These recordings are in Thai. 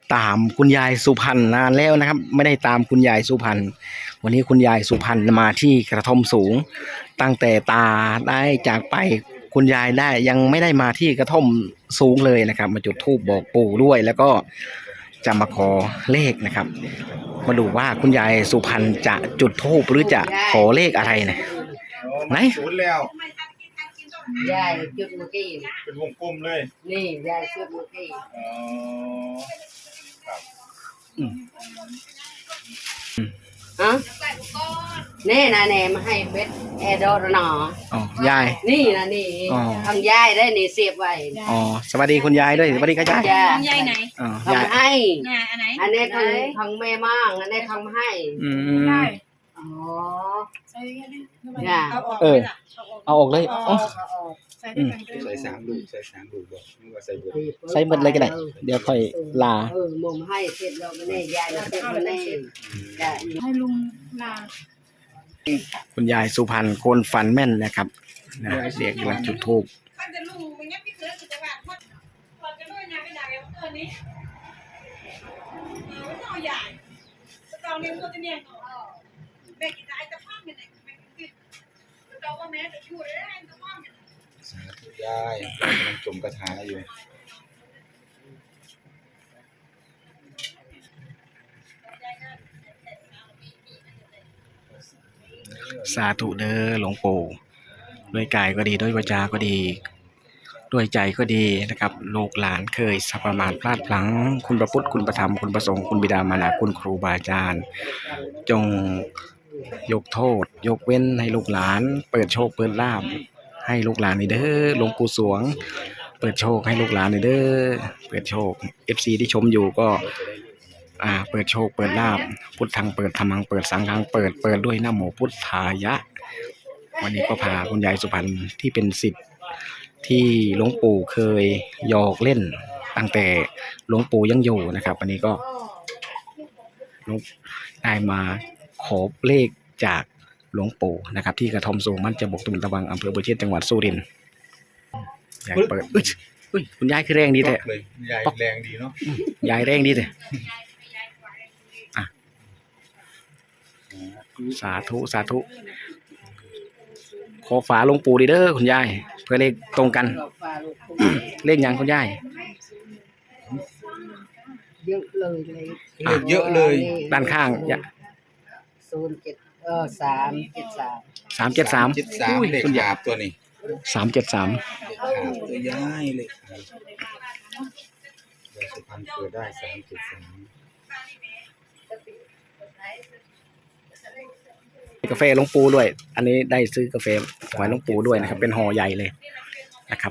ตามคุณยายสุพรรณนานแล้วนะครับไม่ได้ตามคุณยายสุพรรณวันนี้คุณยายสุพรรณมาที่กระท่อมสูงตั้งแต่ตาได้จากไปคุณยายได้ยังไม่ได้มาที่กระท่อมสูงเลยนะครับมาจุดธูปบอกปู่ด้วยแล้วก็จะมาขอเลขนะครับมาดูว่าคุณยายสุพรรณจะจุดธูปหรือจะขอเลขอะไรนะไหนศูนย์แล้วยายจุดเมื่อกี้เป็นวงกลมเลยนี่ยายจุดเมื่อกี้อ๋อครับฮะแน่นะแน่มาให้เบ็ดแอร์ดอร์หนออ๋อยายนี่นะนี่อ๋อทำยายได้นี่เสียบไว้อ๋อสวัสดีคุณยายด้วยสวัสดีครับยายจ้ายายไหนอ๋อยายทำให้น่ะอันไหนอันนี้ทางแม่มั่งอันนี้ทำให้อืมได้อ๋อใส่ยังไงดิจ้ะเอาออกเออไหมล่ะเอาออกเลยอ๋อใส่ด้วยกันก็ใส่ได้สามลูกใส่สามลูกบอกนึกว่าใส่เบอร์ใส่หมดเลยก็ได้เดี๋ยวค่อยลามุมให้เสร็จแล้วมันแน่ยายนะเสร็จมันแน่จ้ะให้ลุงลาคุณยายสุพรรณคนฝันแม่นนะครับนะเด็กกำลังจุดธูปท่านจะลุงไม่งั้นพี่เคยจะจะแบบพอจะด้วยงานไม่ได้แล้วตัวนี้ไม่ต้องใหญ่ตอนนี้มันจะเนี่ยแม่กินได้แต่พ่อเนี่ยแม่กินเราก็แม่จะช่วยได้แต่พ่อเนี่ยสาธุยายกำลังจมกระถาอยู่สาธุเด้อหลวงปู่ด้วยกายก็ดีด้วยวาจาก็ดี ด้วยใจก็ดีนะครับลูกหลานเคยสัพประมาทพลาดพลั้งคุณพระพุทธคุณพระธรรมคุณพระสงฆ์คุณบิดามารดาคุณครูบาอาจารย์จงยกโทษ ยกเว้นให้ลูกหลาน เปิดโชคเปิดลาภให้ลูกหลานนี่เด้อหลวงปู่สวง เปิดโชคให้ลูกหลานนี่เด้อเปิดโชค FC ที่ชมอยู่ก็เปิดโชคเปิดลาภพุทธังเปิดธรรมังเปิดสังฆังเปิดด้วยนะโมพุทธายะ วันนี้ก็พาคุณยายสุพรรณที่เป็นศิษย์ที่หลวงปู่เคยหยอกเล่นตั้งแต่หลวงปู่ยังอยู่นะครับวันนี้ก็ได้มาขอเลขจากหลวงปู่นะครับที่กระท่อมสูงมันจะบกตุนตะวังอำเภอบัวเชษจังหวัดสุรินทร์ยายเปิดอุ้ยคุณยายคือแรงดีแต่เลยยายแรงดีเนาะยายแรงดีแต่สาธุสาธุขอฝาหลวงปู่ดีเด้อคุณยายเพื่อเลขตรงกัน เลขยังคุณยายเยอะเลยเลยเลขเยอะเลยด้านข้างอย่า 07 373 373 73เลขคุณหยายยาบตัวนี้ 373 เลขหยาบตัวยายเลยยายสุพรรณเกิดได้373 กาแฟหลวงปู่ด้วย อันนี้ได้ซื้อกาแฟถวายหลวงปู่ด้วยนะครับ เป็นห่อใหญ่เลยนะครับ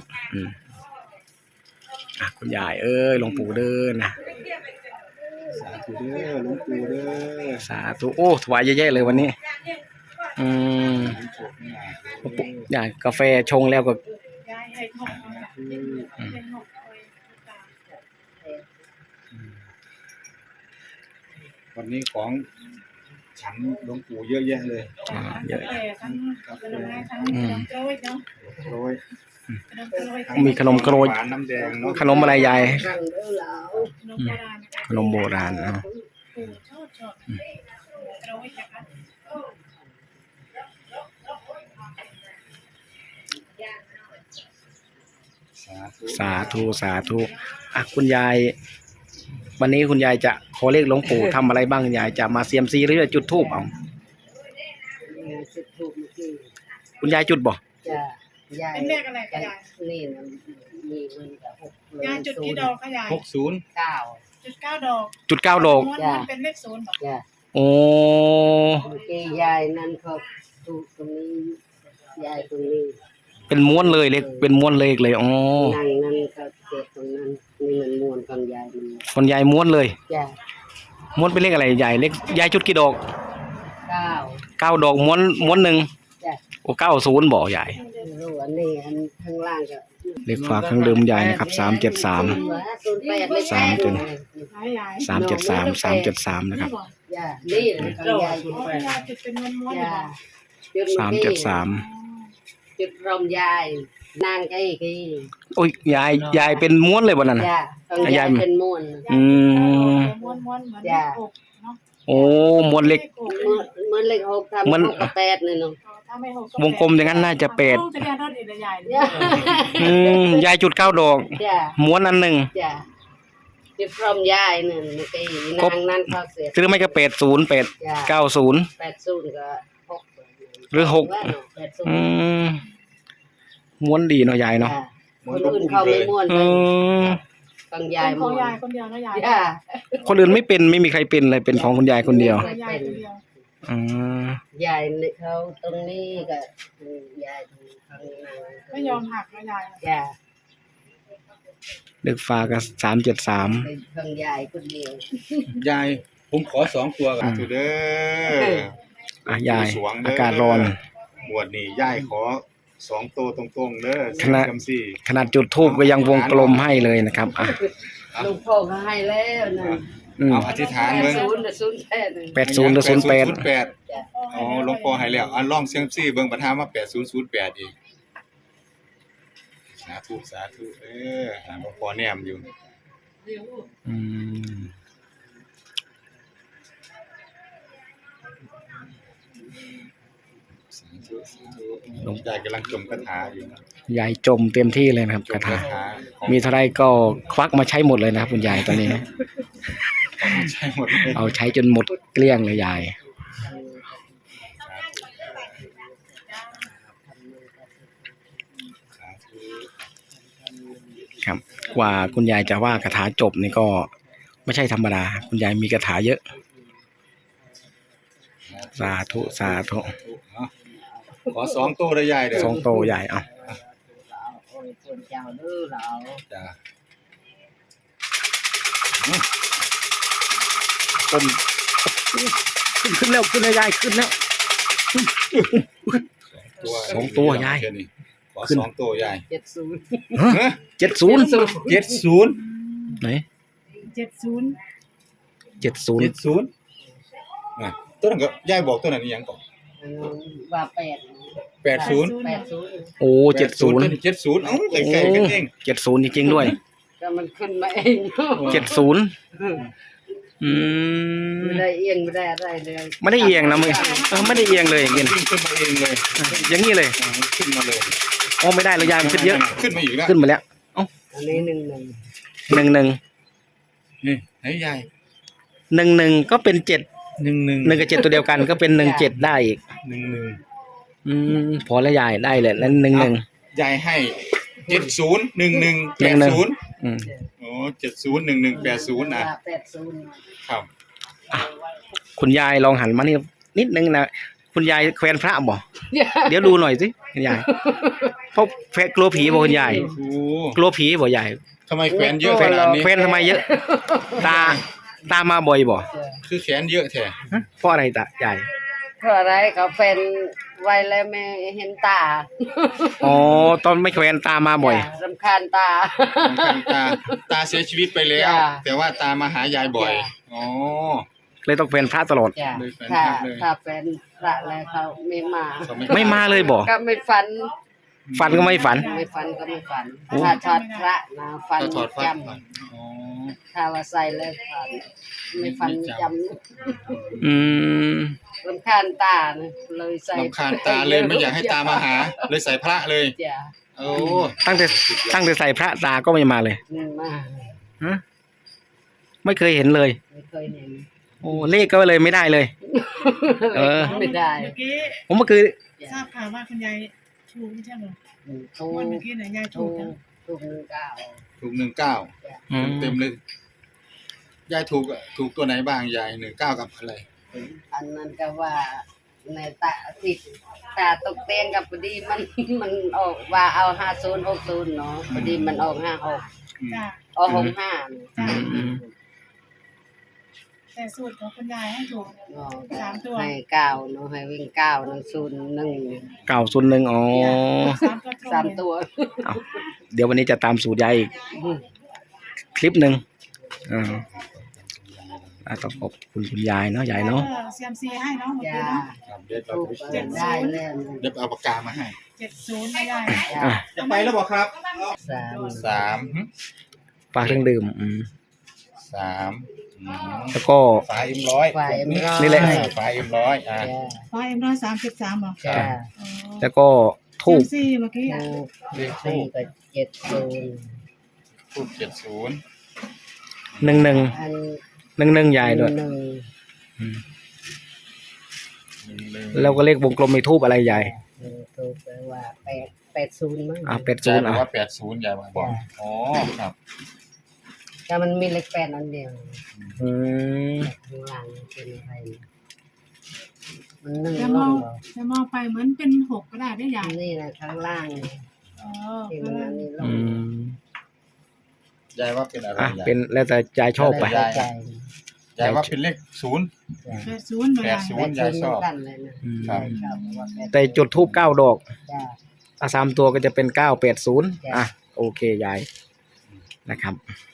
คุณยายหลวงปู่เด้อนะสาธุเด้อหลวงปู่เด้อสาธุโอ้ถวายเยอะๆเลยวันนี้หลวงปู่ยายกาแฟชงแล้วก็ยายให้ทองให้ทองวันนี้ของฉันหลวงปู่เยอะแยะเลยเยอะแต่ทั้งขนมทั้งขนมโกรยเนาะโรยขนมโกรยมีขนมโกรยหวานน้ำแดงเนาะขนมอะไรยายรังเด้อเหลาขนมโบราณนะคะขนมโบราณนะปู่ชอบโกรยนะคะสาธุสาธุคุณยายวันนี้คุณยายจะขอเลขหลวงปู่ทำอะไรบ้างยายจะมาเซียมซีหรือจะจุดธูปเอาจุดทูบเมื่อกี้คุณยายจุดบ่จ้ะยายเป็นเลขอะไรคะยายนี่นะมีมันกับ6 ยายจุดกี่ดอกคะยาย 60 9 จุด9 ดอกจุด9 ดอกม้วนมันเป็นเลข0บอกจ้ะโอ้เมื่อกี้ยายนั่นเขาถูกตรงนี้ยายตรงนี้เป็นม้วนเลยเลขเป็นม้วนเลขเลยอ๋อนั่งนั่นก็เจ็บตรงนั้นนี่มันม้วนกันยายมันคนยายม้วนเลยจ้ะม้วนเป็นเลขอะไรยายเลขยายจุดกี่ดอก 9 9 ดอกม้วนหนึ่งจ้ะโอ้90บ่ยายรู้อันนี้อันข้างล่างก็เลขฝากเครื่องดื่มยายนะครับ373 08ไม่สามจนยาย 373นะครับจ้ะนี่ของยายยายจุดเป็นม้วนๆจ้ะบอก 373 จุดรมยายนางไอ้กี้โอ้ยยายเป็นม้วนเลยวันนั้นน่ะจ้ะของยายเป็นม้วนอืมม้วนๆเหมือนจ้ะอกเนาะโอ้มวลเหล็กเหมือนเลขหกทำมันหกกับแปดนี่เนาะถ้าไม่หกวงกลมอย่างนั้นน่าจะเป็ดจะเรียนรถอีกใหญ่เลยยายจุด9 ดอกจ้ะม้วนอันหนึ่งจ้ะที่พร้อมยายนั่นเมื่อกี้นางนั้นเขาเสียหรือไม่ก็80 8 90 80ก็หกหรือหก 80 ม้วนดีเนาะยายเนาะจ้ะคนอื่นเขาไม่ม่วนเอไปอต้องยายายขม่องวนยายคนเดียวนะยายจ้ะคนอื่นไม่เป็นไม่มีใครเป็นเลยเป็นของคุณยายคนเดียวยายคนเดียวอืมยายเขาตรงนี้ก็ยายข้างในไม่ยอมหักนะยายจ้ะเด็กฟ้าก็373 เป็นข้างยายคนเดียวยายผมขอ2 ตัวกันเด้อยายอากาศร้อนหมวดนี่ยายขอ2 ตัวตรงๆเด้อคณะจำซี่ขนาดจุดทูบก็ยังวงกลมให้เลยนะครับลูกพ่อเขาให้แล้วนะเอาอธิษฐานเบิ่ง 80 แท้หนึ่ง 80หรือ08 จ้ะอ๋อหลวงพ่อให้แล้วอันลองเสียงซี่เบิ่งประทามว่า8008อีกสาธุสาธุหลวงพ่อแนมอยู่อืมสาธุสาธุหลวงยายกำลังจมคาถาอยู่นะยายจมเต็มที่เลยนะครับจคาม ถาคาถาของมีเท่าไรก็ควักมาใช้หมดเลยนะครับคุณยายตอนนี้ใช่หมดเลยเอาใช้จนหมดเกลี้ยงเลยยายสาธุครับ กว่าคุณยายจะว่าคาถาจบนี่ก็ไม่ใช่ธรรมดา คุณยายมีคาถาเยอะ สาธุสาธุขอ2 ตัวได้ยายเด้อสองโตใหญ่เอาโอ้ยคนเจ้าดื้อเราจ้าต้มขึ้นแล้วขึ้นแล้วยายขึ้นแล้ว สองตัวยายขอ2 ตัวยาย 70 ฮะ 70 70 ไหน 70 70 70อ่ะตัวนั้นก็ยายบอกตัวนั้นอีหยังก่อนว่า 80 80 โอ้ 70 70 70เอ้าใกล้ๆกันเอง 70จริงๆด้วยก็มันขึ้นมาเองเนาะ 70อืมไม่ได้เอียงไม่ได้อะไรเลยไม่ได้เอียงนะมึงไม่ได้เอียงเลยอย่างนี้ขึ้นมาเองเลยอย่างนี้เลยขึ้นมาเลยโอ้ไม่ได้เลยยายมันขึ้นเยอะขึ้นมาอีกแล้วขึ้นมาแล้วอันนี้1 11 นี่ไหนยาย 11ก็เป็น7 11 1กับ7ตัวเดียวกันก็เป็น17ได้อีก 11 พอแล้วยายได้เลยนั้น11 ยายให้70 11 80 อืมโอ้70 11 80นะ 80 ครับคุณยายลองหันมานี่นิดนึงนะคุณยายแควนพระบ่เดี๋ยวดูหน่อยสิคุณยายเพราะแฟนกลัวผีบ่คุณยายโอ้กลัวผีบ่ยายทำไมแขวนเยอะขนาดนี้แควนทำไมเยอะ ตามาบ่อยบ่คือแขนเยอะแท้ฮะเพราะอะไรตายายเพราะอะไรเขาเป็นไว้แล้วไม่เห็นตาอ๋อตอนไม่แควนตามาบ่อยรำคาญตาตาเสียชีวิตไปแล้วจ้ะแต่ว่าตามาหายายบ่อยจ้ะอ๋อเลยต้องแควนพระตลอดจ้ะเลยแฟนถ้าคลับเลยถ้าเป็นพระแล้วเขาไม่มาเขาไม่มาเลยบ่ก็ไม่ฝันฝันก็ไม่ฝันไม่ฝันก็ไม่ฝันโอ้ถ้าถอดพระนะฝันถ้าถอดฟันจอ๋อำถ้าว่าใส่แล้วฝันไม่ฝันไม่จจำอืมรำคาญตานะเลยใส่ลำคาญตาเลยไม่อยากให้ตามาหา เลยใส่พระเลยจ้ะโอ้ตั้งแต่ใส่พระตาก็ไม่มาเลยไม่มาฮะไม่เคยเห็นเลยไม่เคยเห็นโอ้เลขก็เลยไม่ได้เลย เออไม่ได้เมื่อกี้ผมก็คือทราบข่าวว่าคุณยายถูกไม่ใช่เหรอถูกวันเมื่อกี้เนี่ยยายถูถูกกนะถูก19 ถูก19 อืมเต็มเลยยายถูกตัวไหนบ้างยาย19กับอะไรอันนั้นก็ว่าในตาติดตาตกเตียงกับพอดีมัน มันออกว่าเอา5060เนาะพอดีมันออก56 อืมจ้ะออก65เนี่ยจ้ะอืมแต่สูตรของคุณยายให้ถูกเนาะ 3 ตัวให้9เนาะให้วิ่ง9นั่น01 901อ๋อ 3 ตัวตรงสามตัวเอาเดี๋ยววันนี้จะตามสูตรยายอีกคลิปหนึ่งต้องขอบคุณคุณยายเนาะยายเนาะเซียมซีให้เนาะเมื่อจ้ากี้เนาะครับเดี๋ยวเราถูกไปได้แล้วเดี๋ยวเอาปากกามาให้ 70ไม่ได้อ่ะจะไปแล้วบอกครับ 3 3 ฝากเครื่องดื่ม 3 แล้วก็ฝาM100 ฝา M100 นี่แหละฝาM100 จ้ะไฟM133เหรอจ้ะแล้วก็ทูบซี่เมื่อกี้ทูบเลขทูสี่บก็70 ทูบ70 11 อัน 11ยายด้วยหนึ่งแล้วก็เลขวงกลมในทูบอะไรยายทูบแปลว่า80มั้ง 80 ยายบอกอ่ะว่า80ยายบอกอ๋อครับแต่มันมีเลข8อันเดียวอืมข้างล่างเป็นอะไรมันนึ่งจะลมองงเหรอจะมองไปเหมือนเป็น6ก็ได้ได้ใหญ่นี่นะข้างล่างอ๋อที่มันอันนี้ลอืงมยายว่าเป็นอะไรอ่ะยายเป็นแล้วแต่ยายชอบไปได้ใจยายว่าเป็นเลข0 จ้ะ 80เหมือนกัน 80 ยายชอบเหมืนกันเลยนะอืมครับชอบว่า80 แต่จุดทูบ9 ดอกจ้ะถ้า3 ตัวก็จะเป็น 980 อ่ะ โอเคยายนะครับ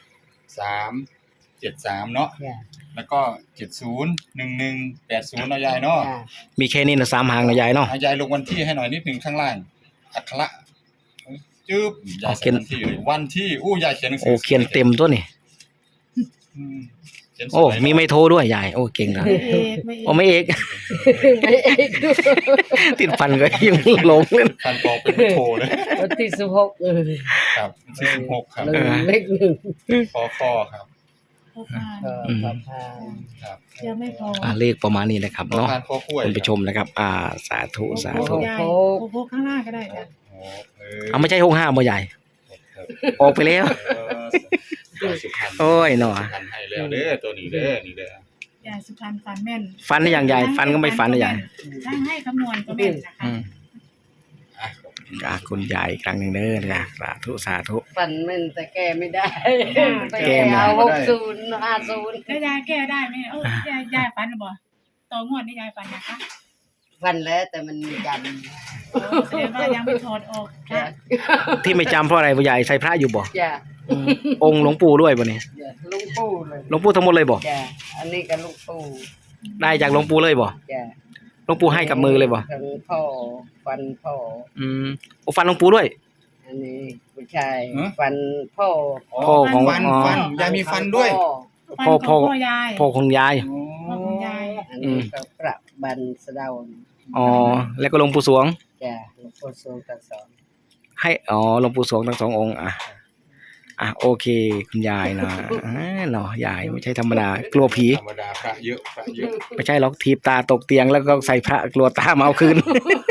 373เนาะจ้ะแล้วก็70 11 80เนาะยายเนาะจ้ะมีแค่นี้นะ3 หางนะยายเนาะยายลงวันที่ให้หน่อยนิดนึงข้างล่างอักขระจึ๊บยายเขีเขียยนนวันที่เลยวันที่อู้ยายเขียนหนังสืโอ้เขียนเต็มตัวนี่อืมเขียนสวยโอ้เนาะมีไม่โทรด้วยยาย โอ้ เก่งนะไม่เอกไม่เอโอ้กไม่เอกไม่เอกด้วยติดฟันก็ยังหลงเลยการบอกเป็นไม่โทรเลยวันที่16 ครับที่16ครับหนึ่งเลขหนึ่งคอครับพบผ่านก็พอพานครับยังไม่พอเลขประมาณนี้นะครับคอเนาะพานคอคุ้ยคุณผู้ชมนะครับ สาธุสาธุใหญ่โคกข้างหน้าก็ได้จ้ะโอ้เอาไม่ใช่65บ่ใหญ่ ออกไปแล้วสุพรรณโอ้ยหนอสุพรรณให้แล้วเด้อตัวนี้เด้อนี่เด้อใหญ่สุพรรณฝันแม่นฟันได้อย่างใหญ่ฟันก็ไม่ฟันนะยายช่างให้คำนวณก็แม่นนะคะอืมอ่ะคุณยายอีกครั้งหนึ่งเด้อนะสาธุสาธุฟันมันแต่แก้ไม่ได้แก้แก้ไม่ได้เอา60 50 แล้วยายแก้ได้ไหมโอ้ยายฝันหรือเปล่าต่องวดนี่ยายฝันนะคะฟันแล้วแต่มันยันโอ้แสดงว่ายังไม่ถอดออกจ้ะค่ะที่ไม่จำเพราะอะไรบ่ใหญ่ใส่พระอยู่บ่จ้ะองค์หลวงปู่ด้วยบ่เนี่ยจ้ะลุงปู่เลยหลวงปู่ทั้งหมดเลยบ่จ้ะอันนี้ก็ลุงปู่ได้จากหลวงปู่เลยบ่จ้ะหลวงปู่ให้กับมือเลยบ่ทั้งพ่อฟันพ่อโอ้ฟันหลวงปู่ด้วยอันนี้ผู้ชายฟันพ่อพ่อของฟันยายมีฟันด้วยฟันของพ่อยายพ่อของยายพ่อของยายอันนี้ก็ประบันสะเดาอ๋อแล้วก็หลวงปู่สวงจ้ะหลวงพ่อทรงทั้งสองให้หลวงปู่สวงทั้ง2 องค์โอเค คุณยายนะเนาะยายไม่ใช่ธรรมดากลัวผีธรรมดาพระเยอะพระเยอะไม่ใช่หรอกทีบตาตกเตียงแล้วก็ใส่พระกลัวตามาเอาคืน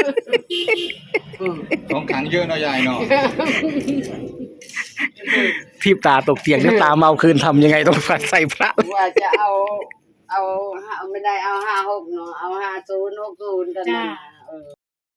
ของขังเยอะเนาะยายเนาะทีบตาตกเตียงแล้วตามาเอาคืนทำยังไงต้องใส่พระว่าจะเอาไม่ได้เอา56เนาะเอา50 60กันจ้านะ